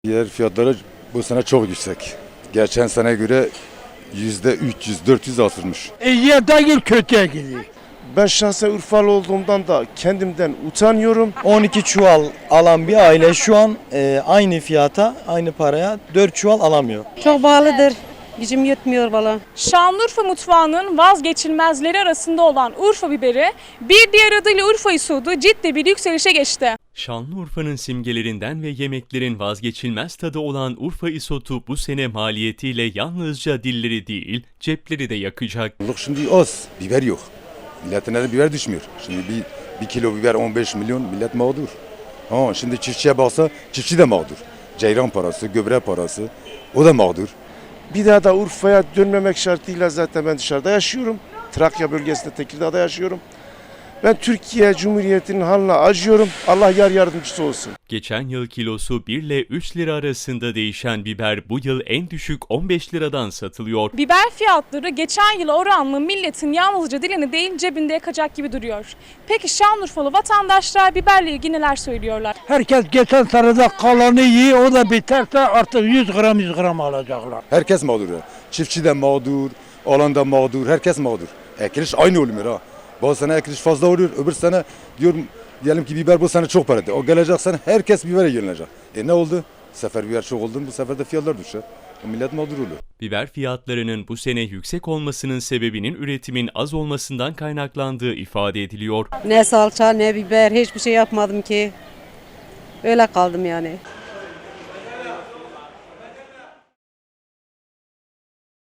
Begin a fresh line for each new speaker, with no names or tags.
Yer fiyatları bu sene çok yüksek. Geçen sene göre %300-400 artırmış.
İyiye değil kötüye gidiyor.
Ben şahsen Urfalı olduğumdan da kendimden utanıyorum.
12 çuval alan bir aile şu an aynı fiyata, aynı paraya 4 çuval alamıyor.
Çok pahalıdır. Gücüm yetmiyor valla.
Şanlıurfa mutfağının vazgeçilmezleri arasında olan Urfa biberi, bir diğer adıyla Urfa isodu ciddi bir yükselişe geçti.
Şanlıurfa'nın simgelerinden ve yemeklerin vazgeçilmez tadı olan Urfa isotu bu sene maliyetiyle yalnızca dilleri değil, cepleri de yakacak.
Şimdi az, biber yok. Milletin de biber düşmüyor. Şimdi bir kilo biber 15 milyon, millet mağdur. Şimdi çiftçiye baksa çiftçi de mağdur. Ceyran parası, gübre parası, o da mağdur.
Bir daha da Urfa'ya dönmemek şartıyla zaten ben dışarıda yaşıyorum. Trakya bölgesinde Tekirdağ'da yaşıyorum. Ben Türkiye Cumhuriyeti'nin haline acıyorum. Allah yar yardımcısı olsun.
Geçen yıl kilosu 1 ile 3 lira arasında değişen biber bu yıl en düşük 15 liradan satılıyor.
Biber fiyatları geçen yıla oranla milletin yalnızca dilini değil cebinde yakacak gibi duruyor. Peki Şanlıurfalı vatandaşlar biberle ilgili neler söylüyorlar?
Herkes geçen senede kalanı yiyor, o da biterse artık 100 gram 100 gram alacaklar.
Herkes mağdur ya. Çiftçi de mağdur, alan da mağdur, herkes mağdur. Ekiliş aynı olmuyor ha. Bu sene ekiliş fazla oluyor, öbür sene diyorum diyelim ki biber bu sene çok paradı. O gelecek sene herkes bibere yönelecek. Ne oldu? Sefer biber çok oldu, bu sefer de fiyatlar düşer. Millet mağdur oluyor.
Biber fiyatlarının bu sene yüksek olmasının sebebinin üretimin az olmasından kaynaklandığı ifade ediliyor.
Ne salça ne biber hiçbir şey yapmadım ki. Öyle kaldım yani.